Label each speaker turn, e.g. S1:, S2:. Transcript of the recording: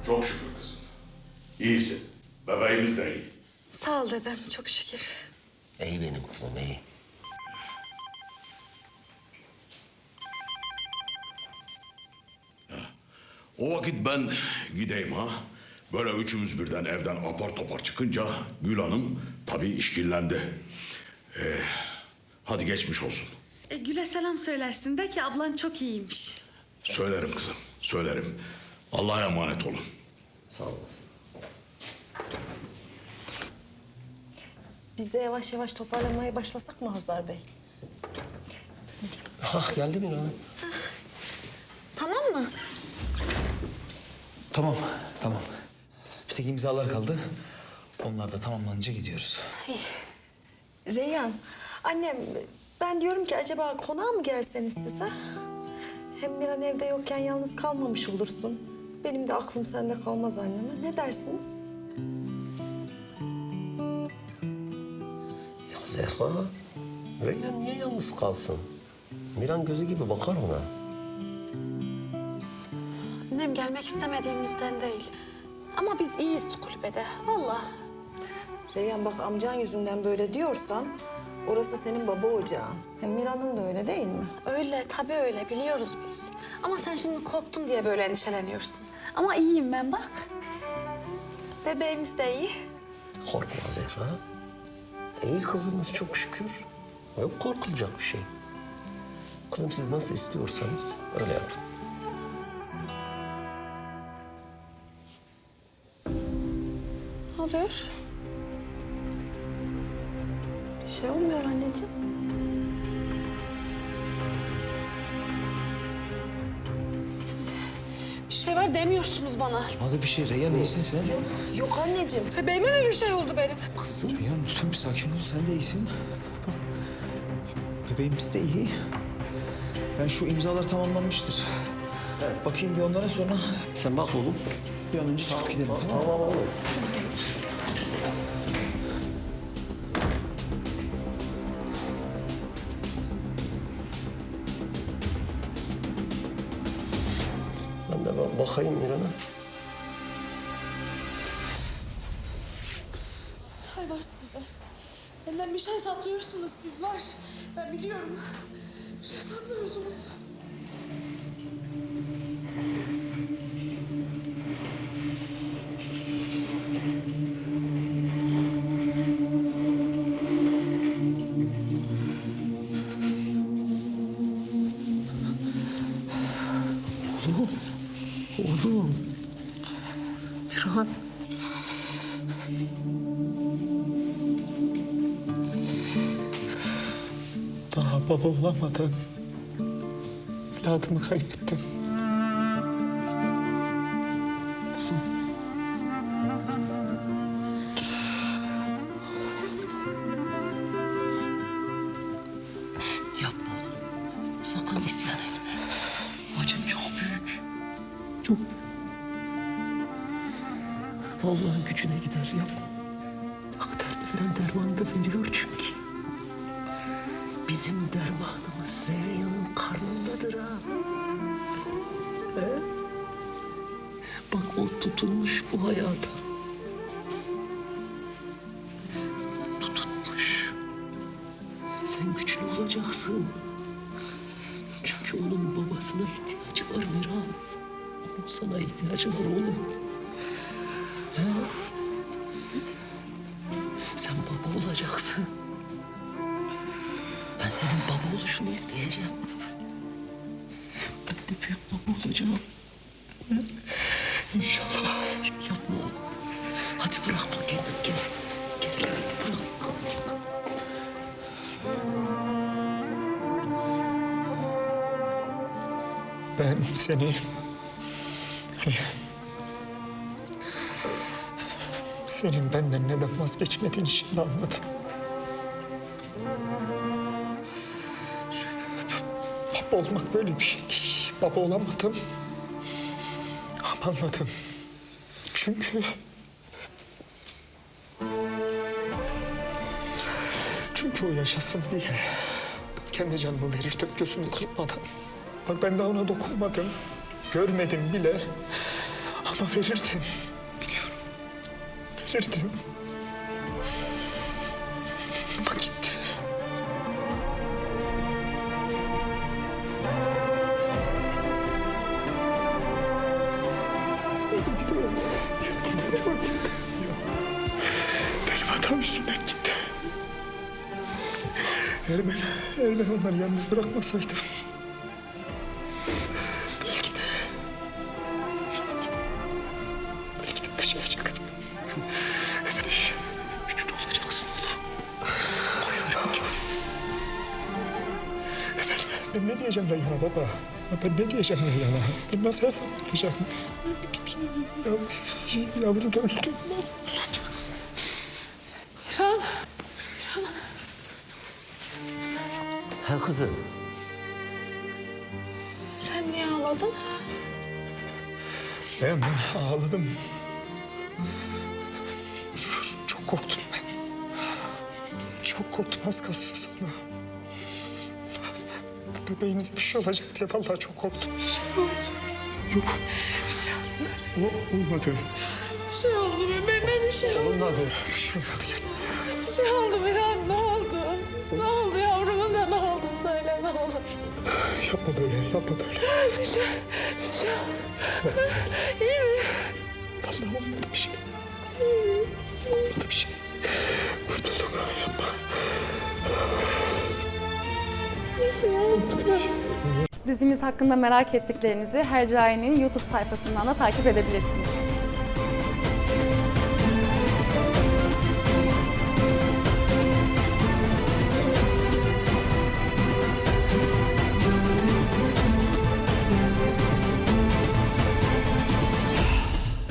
S1: Çok şükür kızım. İyisin. Bebeğimiz de iyi.
S2: Sağ ol dedem, çok şükür.
S3: İyi benim kızım, iyi.
S1: O vakit ben gideyim ha. Böyle üçümüz birden evden apar topar çıkınca Gül Hanım tabii işkillendi. Hadi geçmiş olsun.
S2: Gül'e selam söylersin de ki ablan çok iyiymiş.
S1: Söylerim kızım, söylerim. Allah'a emanet olun.
S3: Sağ olasın.
S4: Biz de yavaş yavaş toparlamaya başlasak mı Hazar Bey?
S3: Ah geldi mi lan?
S2: Tamam mı?
S5: Tamam, tamam. Bir tek imzalar kaldı. Onlar da tamamlanınca gidiyoruz.
S4: Reyhan, annem ben diyorum ki acaba konağa mı gelseniz siz ha? Hem Miran evde yokken yalnız kalmamış olursun. Benim de aklım sende kalmaz anneme. Ne dersiniz?
S3: Ya Zehra, Reyhan niye yalnız kalsın? Miran gözü gibi bakar ona.
S2: Annem gelmek istemediğimizden değil. Ama biz iyiyiz kulübede, vallahi.
S4: Reyhan bak amcan yüzünden böyle diyorsan orası senin baba ocağın. Hem Miran'ın da öyle değil mi?
S2: Öyle, tabii öyle, biliyoruz biz. Ama sen şimdi korktun diye böyle endişeleniyorsun. Ama iyiyim ben bak. Bebeğimiz de iyi.
S3: Korkma Zehra. İyi kızımız çok şükür. Yok korkulacak bir şey. Kızım siz nasıl istiyorsanız öyle yapın.
S2: Ne oluyor?
S4: Bir şey olmuyor anneciğim.
S2: Bir şey var demiyorsunuz bana.
S5: Hadi bir şey, Reyhan iyisin sen.
S4: Yok anneciğim.
S2: Bebeğime mi bir şey oldu benim?
S5: Reyhan lütfen bir sakin ol, sen de iyisin. Bak, bebeğimiz de iyi. Ben şu imzalar tamamlanmıştır. Bakayım bir onlara sonra
S3: Sen bak oğlum.
S5: bir an önce çıkıp gidelim, tamam mı?
S3: Tamam oğlum. Ben de bakayım Miran'a.
S2: Hay var sizde. Benden bir şey saklıyorsunuz siz var. Ben biliyorum. Bir şey saklıyorsunuz.
S3: Oğlum. Miran.
S5: Daha baba olamadan evladımı kaybettim.
S3: Yapma oğlum. Sakın isyan etme. Acın çok büyük. Çok. Vallahi gücüne gider yapma. Bak dert veren dermanı da veriyor çünkü. Bizim dermanımız Reyhan'ın karnındadır ha. He? Bak o tutulmuş bu hayata. Tutunmuş. Sen güçlü olacaksın. Çünkü onun babasına ihtiyacı var Miran. Onun sana ihtiyacı var oğlum. He? Sen baba olacaksın. Ben senin baba oluşunu isteyeceğim. Ben de büyük baba olacağım. He? İnşallah. Yapma oğlum. Hadi bırakma kendini. Gel. Gel. Bırak.
S5: Ben seni... Senin benden neden vazgeçmediğini şimdi anladım. Baba olmak böyle bir şey değil. Baba olamadım. Ama anladım. Çünkü o yaşasın diye ben kendi canımı verirdim gözümü kırpmadan. Bak ben daha ona dokunmadım. Görmedim bile. Ama verirdim. Biliyorum. Verirdim. Ama gitti. Benim hatam yüzünden gitti. Eğer ben onları yalnız bırakmasaydım... Belki de taşıyacaktım. Güçlü olacaksın oğlum. Koyuyorum gitti. Ben ne diyeceğim Reyhan'a baba? Ben ne diyeceğim Reyhan'a? Ben nasıl hesap vereceğim? Yavrum öldü. Nasıl olacaksın?
S2: Miran.
S3: Ha kızım.
S2: Sen niye ağladın?
S5: Ben ağladım. Çok korktum ben. Çok korktum az kalsın sana. Bebeğimize bir şey olacak diye vallahi çok korktum. Yok. Olmadı.
S2: Bir şey oldu bebeğime bir şey oldu.
S5: Olmadı. Bir şey olmadı gel.
S2: Bir şey oldu Miran, ne oldu? Ne oldu yavrumuza, ne oldu? Söyle ne olur.
S5: Yapma böyle, yapma böyle.
S2: Bir şey oldu. İyi mi?
S5: Vallahi olmadı bir şey. Olmadı bir şey. Kurtulduk. Yapma.
S2: Bir şey oldu.
S6: Dizimiz hakkında merak ettiklerinizi Hercai'nin YouTube sayfasından da takip edebilirsiniz.